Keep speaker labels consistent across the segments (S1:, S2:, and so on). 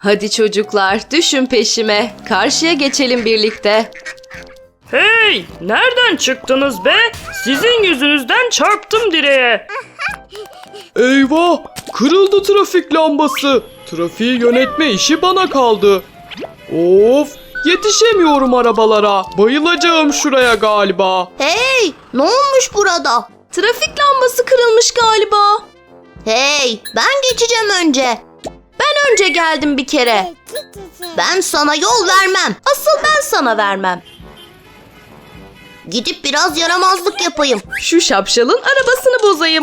S1: Hadi çocuklar, düşün peşime. Karşıya geçelim birlikte.
S2: Hey! Nereden çıktınız be? Sizin yüzünüzden çarptım direğe.
S3: Eyvah! Kırıldı trafik lambası. Trafiği yönetme işi bana kaldı. Of! Yetişemiyorum arabalara. Bayılacağım şuraya galiba.
S4: Hey, ne olmuş burada?
S1: Trafik lambası kırılmış galiba.
S4: Hey, ben geçeceğim önce.
S1: Ben önce geldim bir kere.
S4: Ben sana yol vermem.
S1: Asıl ben sana vermem.
S4: Gidip biraz yaramazlık yapayım.
S1: Şu şapşalın arabasını bozayım.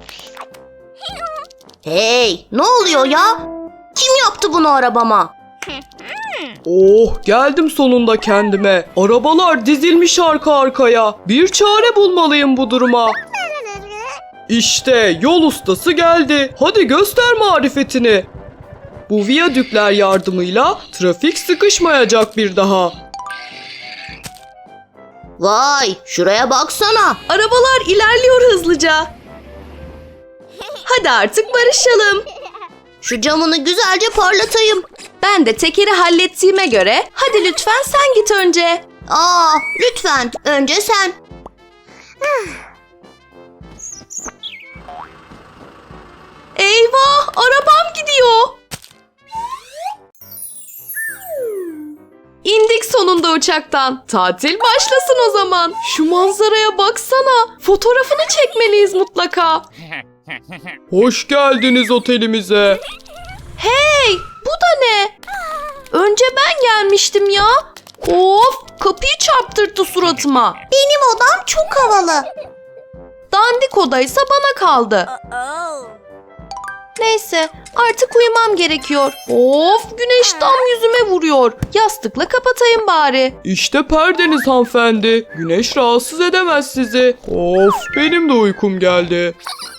S4: Hey, ne oluyor ya? Kim yaptı bunu arabama?
S3: Oh, geldim sonunda kendime. Arabalar dizilmiş arka arkaya. Bir çare bulmalıyım bu duruma. İşte yol ustası geldi. Hadi göster marifetini. Bu viyadükler yardımıyla trafik sıkışmayacak bir daha.
S4: Vay, şuraya baksana.
S1: Arabalar ilerliyor hızlıca. Hadi artık barışalım.
S4: Şu camını güzelce parlatayım.
S1: Ben de tekeri hallettiğime göre hadi lütfen sen git önce.
S4: Lütfen önce sen.
S1: Eyvah, arabam gidiyor. İndik sonunda uçaktan. Tatil başlasın o zaman. Şu manzaraya baksana. Fotoğrafını çekmeliyiz mutlaka.
S3: Hoş geldiniz otelimize.
S1: Hey, bu da ne? Önce ben gelmiştim ya. Of, kapıyı çarptırdı suratıma.
S4: Benim odam çok havalı.
S1: Dandik odaysa bana kaldı. Neyse, artık uyumam gerekiyor. Of, güneş tam yüzüme vuruyor. Yastıkla kapatayım bari.
S3: İşte perdeniz hanımefendi. Güneş rahatsız edemez sizi. Of, benim de uykum geldi.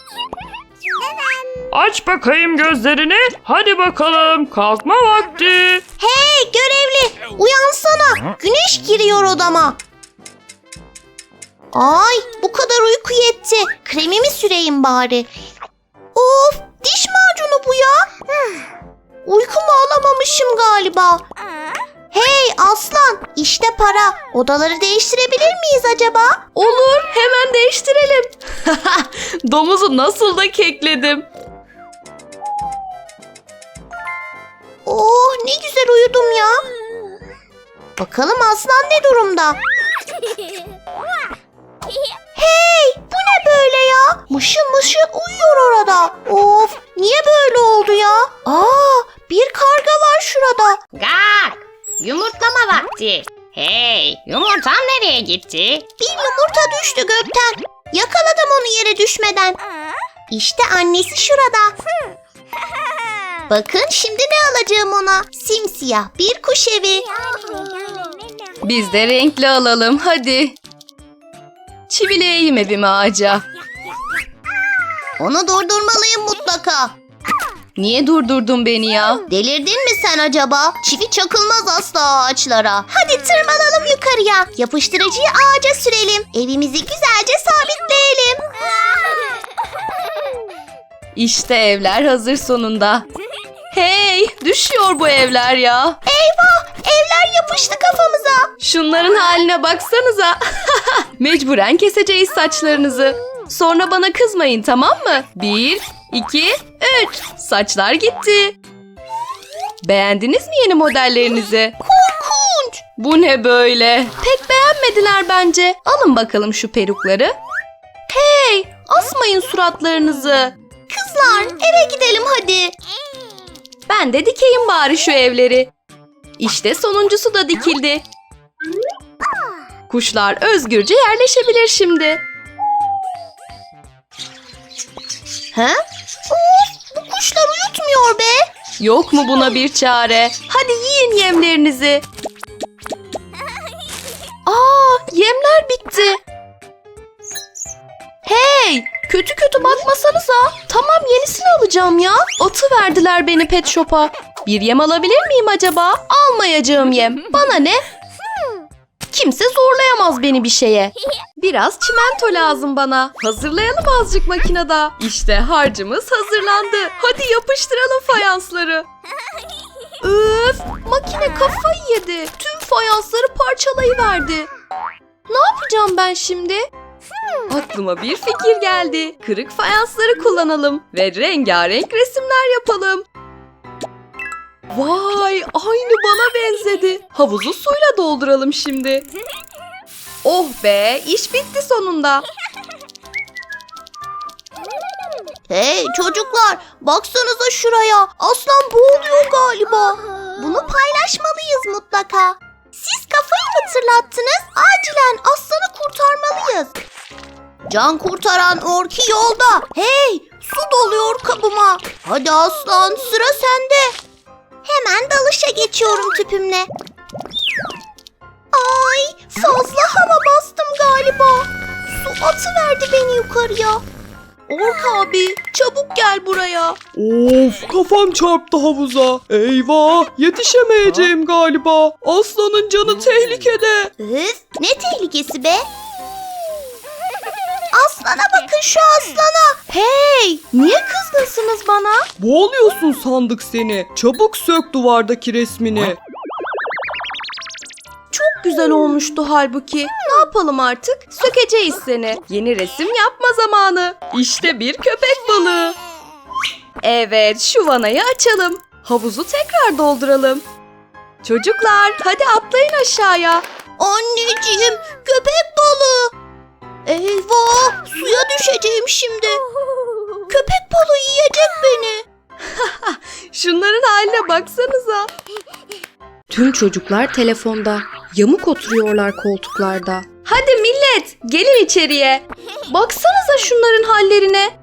S2: Aç bakayım gözlerini. Hadi bakalım kalkma vakti.
S4: Hey görevli, uyansana. Güneş giriyor odama. Ay, bu kadar uyku yetti. Kremimi süreyim bari. Of, diş macunu bu ya. Uykumu alamamışım galiba. Hey aslan, işte para. Odaları değiştirebilir miyiz acaba?
S1: Olur, hemen değiştirelim. Domuzu nasıl da kekledim.
S4: Oh, ne güzel uyudum ya. Bakalım aslan ne durumda? Hey, bu ne böyle ya? Mışıl mışıl uyuyor orada. Of, niye böyle oldu ya? Bir karga var şurada.
S5: Gak! Yumurtlama vakti. Hey, yumurtam nereye gitti?
S4: Bir yumurta düştü gökten. Yakaladım onu yere düşmeden. İşte annesi şurada. Bakın şimdi ne alacağım ona? Simsiyah bir kuş evi.
S1: Biz de renkli alalım, hadi. Çivileyeyim evimi ağaca.
S4: Onu durdurmalıyım mutlaka.
S1: Niye durdurdun beni ya?
S4: Delirdin mi sen acaba? Çivi çakılmaz asla ağaçlara. Hadi tırmanalım yukarıya. Yapıştırıcıyı ağaca sürelim. Evimizi güzelce sabitleyelim.
S1: İşte evler hazır sonunda. Hey, düşüyor bu evler ya.
S4: Eyvah! Evler yapıştı kafamıza.
S1: Şunların haline baksanıza. Mecburen keseceğiz saçlarınızı. Sonra bana kızmayın, tamam mı? 1, 2, 3. Saçlar gitti. Beğendiniz mi yeni modellerinizi?
S4: Korkunç!
S1: Bu ne böyle? Pek beğenmediler bence. Alın bakalım şu perukları. Hey, asmayın suratlarınızı.
S4: Kızlar eve gidelim hadi.
S1: Ben de dikeyim bari şu evleri. İşte sonuncusu da dikildi. Kuşlar özgürce yerleşebilir şimdi.
S4: He? Of, bu kuşlar uyutmuyor be.
S1: Yok mu buna bir çare? Hadi yiyin yemlerinizi. Yemler bitti. Hey, kötü kötü bakmasanıza. Tamam, yenisini alacağım ya. Atıverdiler beni pet shop'a. Bir yem alabilir miyim acaba? Almayacağım yem. Bana ne? Kimse zorlayamaz beni bir şeye. Biraz çimento lazım bana. Hazırlayalım azıcık makinede. İşte harcımız hazırlandı. Hadi yapıştıralım fayansları. Yine kafayı yedi. Tüm fayansları parçalayıverdi. Ne yapacağım ben şimdi? Aklıma bir fikir geldi. Kırık fayansları kullanalım ve rengarenk resimler yapalım. Vay, aynı bana benzedi. Havuzu suyla dolduralım şimdi. Oh be, iş bitti sonunda.
S4: Hey çocuklar, baksanıza şuraya. Aslan boğuluyor galiba. Bunu paylaşmalıyız mutlaka. Siz kafayı mı tırlattınız? Acilen aslanı kurtarmalıyız. Can kurtaran Orki yolda. Hey, su doluyor kabıma. Hadi aslan, sıra sende. Hemen dalışa geçiyorum tüpümle. Ay, fazla hava bastım galiba. Su atıverdi beni yukarıya.
S1: Ork abi, çabuk gel buraya.
S3: Of, kafam çarptı havuza. Eyvah, yetişemeyeceğim galiba. Aslanın canı tehlikede.
S4: Üf, ne tehlikesi be? Aslana bakın, şu aslana.
S1: Hey, niye kızgınsınız bana?
S3: Boğuluyorsun sandık seni. Çabuk sök duvardaki resmini.
S1: Çok güzel olmuştu halbuki. Ne yapalım artık? Sökeceğiz seni. Yeni resim yapma zamanı. İşte bir köpek balığı. Evet, şu vanayı açalım. Havuzu tekrar dolduralım. Çocuklar, hadi atlayın aşağıya.
S4: Anneciğim, köpek balığı. Eyvah, suya düşeceğim şimdi. Köpek balığı yiyecek beni.
S1: Şunların haline baksanıza. Tüm çocuklar telefonda. Yamuk oturuyorlar koltuklarda. Hadi millet, gelin içeriye. Baksanıza şunların hallerine.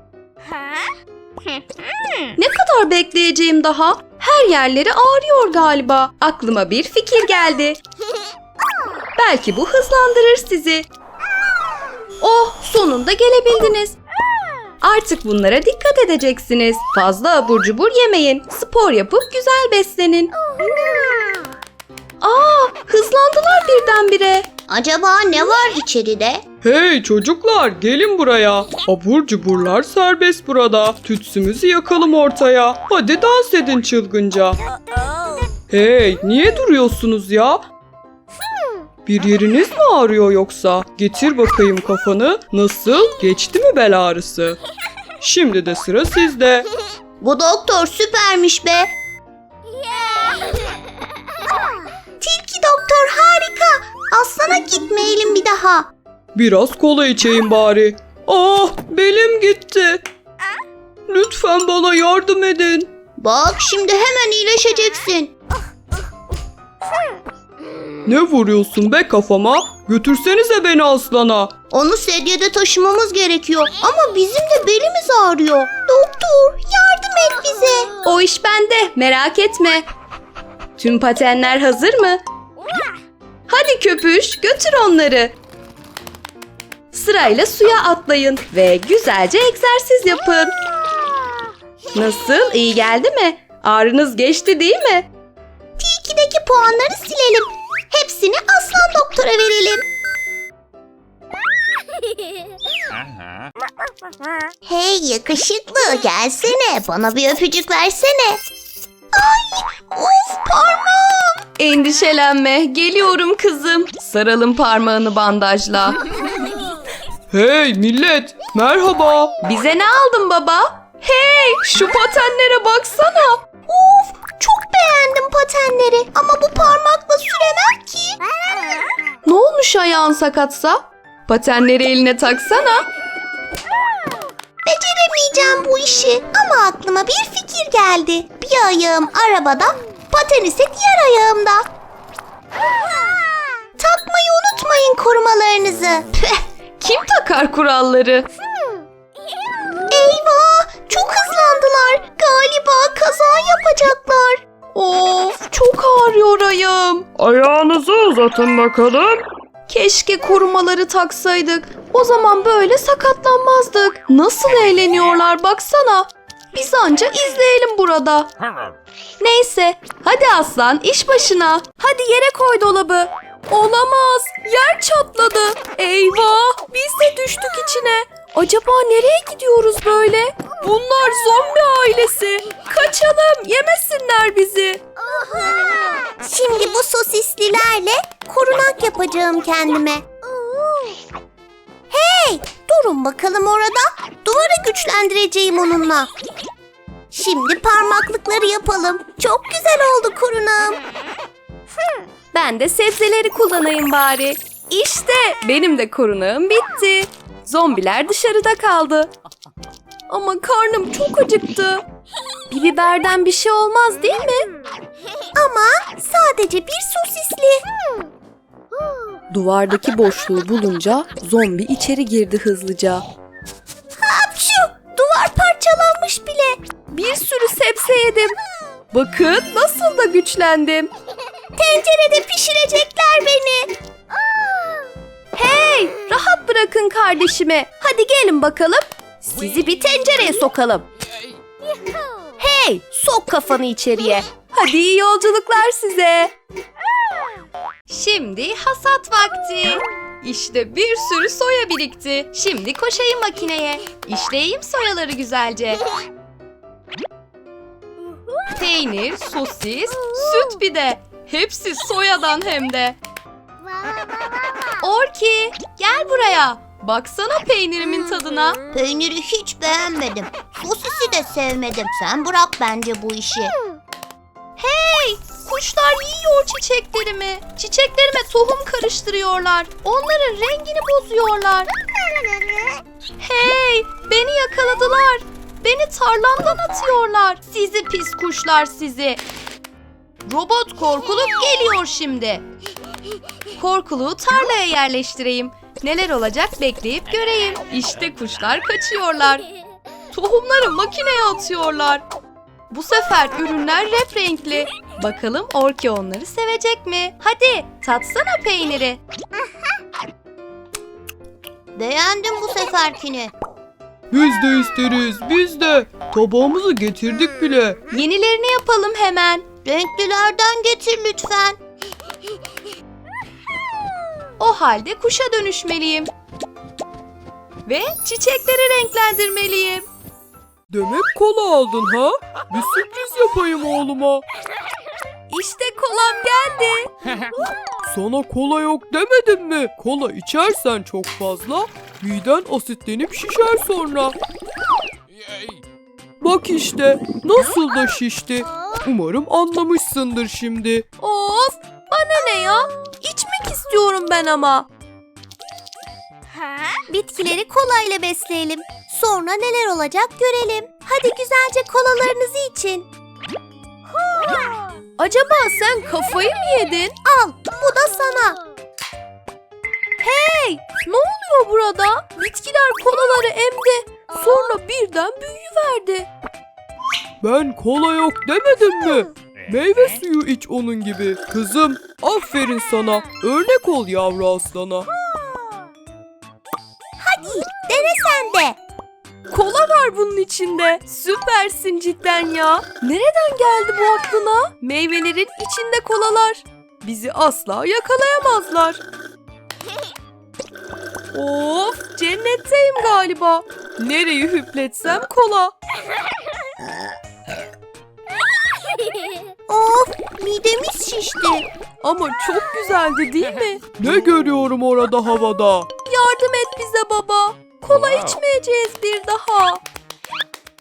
S1: Ne kadar bekleyeceğim daha? Her yerleri ağrıyor galiba. Aklıma bir fikir geldi. Belki bu hızlandırır sizi. Oh, sonunda gelebildiniz. Artık bunlara dikkat edeceksiniz. Fazla abur cubur yemeyin. Spor yapıp güzel beslenin. Aa, hızlandılar birdenbire.
S4: Acaba ne var içeride?
S3: Hey çocuklar, gelin buraya. Abur cuburlar serbest burada. Tütsümüzü yakalım ortaya. Hadi dans edin çılgınca. Hey, niye duruyorsunuz ya? Bir yeriniz mi ağrıyor yoksa? Getir bakayım kafanı. Nasıl? Geçti mi bel ağrısı? Şimdi de sıra sizde.
S4: Bu doktor süpermiş be. Tilki doktor harika. Aslana gitmeyelim bir daha.
S3: Biraz kola içeyim bari. Ah, belim gitti. Lütfen bana yardım edin.
S4: Bak şimdi hemen iyileşeceksin.
S3: Ne vuruyorsun be kafama? Götürsenize beni aslana.
S4: Onu sedyede taşımamız gerekiyor. Ama bizim de belimiz ağrıyor. Doktor yardım et bize.
S1: O iş bende, merak etme. Tüm patenler hazır mı? Hadi köpüş, götür onları. Sırayla suya atlayın ve güzelce egzersiz yapın. Nasıl, iyi geldi mi? Ağrınız geçti değil mi?
S4: Tilkideki puanları silelim. Hepsini aslan doktora verelim. Hey yakışıklı, gelsene, bana bir öpücük versene. Ay, of parmağım.
S1: Endişelenme, geliyorum kızım. Saralım parmağını bandajla.
S3: Hey millet, merhaba.
S1: Bize ne aldın baba? Hey, şu patenlere baksana.
S4: Of, çok beğendim patenleri ama bu parmakla süremem ki.
S1: Ne olmuş ayağın sakatsa? Patenleri eline taksana.
S4: Beceremeyeceğim bu işi ama aklıma bir fikir geldi. Bir ayağım arabada, paten ise diğer ayağımda. Takmayı unutmayın korumalarınızı.
S1: Kim takar kuralları?
S4: Eyvah, çok hızlandılar. Galiba kaza yapacaklar.
S1: Of, çok ağrıyor ayağım.
S2: Ayağınızı uzatın bakalım.
S1: Keşke korumaları taksaydık. O zaman böyle sakatlanmazdık. Nasıl eğleniyorlar baksana. Biz anca izleyelim burada. Neyse, hadi aslan iş başına. Hadi yere koy dolabı. Olamaz, yer çatladı. Eyvah, biz de düştük içine. Acaba nereye gidiyoruz böyle? Bunlar zombi ailesi. Kaçalım, yemesinler bizi.
S4: sebzelerle korunak yapacağım kendime. Hey, durun bakalım orada. Duvarı güçlendireceğim onunla. Şimdi parmaklıkları yapalım. Çok güzel oldu korunağım.
S1: Ben de sebzeleri kullanayım bari. İşte benim de korunağım bitti. Zombiler dışarıda kaldı. Ama karnım çok acıktı. Bir biberden bir şey olmaz değil mi?
S4: Ama sadece bir sosisli.
S1: Duvardaki boşluğu bulunca zombi içeri girdi hızlıca.
S4: Hapşu! Duvar parçalanmış bile.
S1: Bir sürü sebze yedim. Bakın nasıl da güçlendim.
S4: Tencerede pişirecekler beni.
S1: Hey, rahat bırakın kardeşimi. Hadi gelin bakalım. Sizi bir tencereye sokalım. Hey, sok kafanı içeriye. Hadi iyi yolculuklar size. Şimdi hasat vakti. İşte bir sürü soya birikti. Şimdi koşayım makineye. İşleyeyim soyaları güzelce. Peynir, sosis, süt bir de. Hepsi soyadan hem de. Orki, gel buraya. Baksana peynirimin tadına.
S4: Peyniri hiç beğenmedim. Sosisi de sevmedim. Sen bırak bence bu işi.
S1: Hey, kuşlar yiyor çiçeklerimi. Çiçeklerime tohum karıştırıyorlar. Onların rengini bozuyorlar. Hey, beni yakaladılar. Beni tarlamdan atıyorlar. Sizi pis kuşlar sizi. Robot korkuluk geliyor şimdi. Korkuluğu tarlaya yerleştireyim. Neler olacak bekleyip göreyim. İşte kuşlar kaçıyorlar. Tohumları makineye atıyorlar. Bu sefer ürünler renkli. Bakalım Orki onları sevecek mi? Hadi tatsana peyniri.
S4: Beğendim bu seferkini.
S3: Biz de isteriz, biz de. Tabağımızı getirdik bile.
S1: Yenilerini yapalım hemen.
S4: Renklilerden getir lütfen.
S1: O halde kuşa dönüşmeliyim. Ve çiçekleri renklendirmeliyim.
S3: Demek kola aldın ha? Bir sürpriz yapayım oğluma.
S1: İşte kolam geldi.
S3: Sana kola yok demedim mi? Kola içersen çok fazla, miden asitlenip şişer sonra. Bak işte, nasıl da şişti. Umarım anlamışsındır şimdi.
S1: Of, bana ne ya? İçmek istiyorum ben ama.
S4: Bitkileri kolayla besleyelim. Sonra neler olacak görelim. Hadi güzelce kolalarınızı için.
S1: Acaba sen kafayı mı yedin?
S4: Al, bu da sana.
S1: Hey, ne oluyor burada? Bitkiler kolaları emdi. Sonra birden büyüyüverdi.
S3: Ben kola yok demedim mi? Meyve suyu iç onun gibi. Kızım, aferin sana. Örnek ol yavru aslana.
S4: Dene sen de.
S1: Kola var bunun içinde. Süpersin cidden ya. Nereden geldi bu aklına? Meyvelerin içinde kolalar. Bizi asla yakalayamazlar. Of, cennetteyim galiba. Nereyi hüpletsem kola.
S4: Of, midemiz şişti.
S1: Ama çok güzeldi değil mi?
S3: Ne görüyorum orada havada?
S1: Yardım et bize baba. Kola içmeyeceğiz bir daha.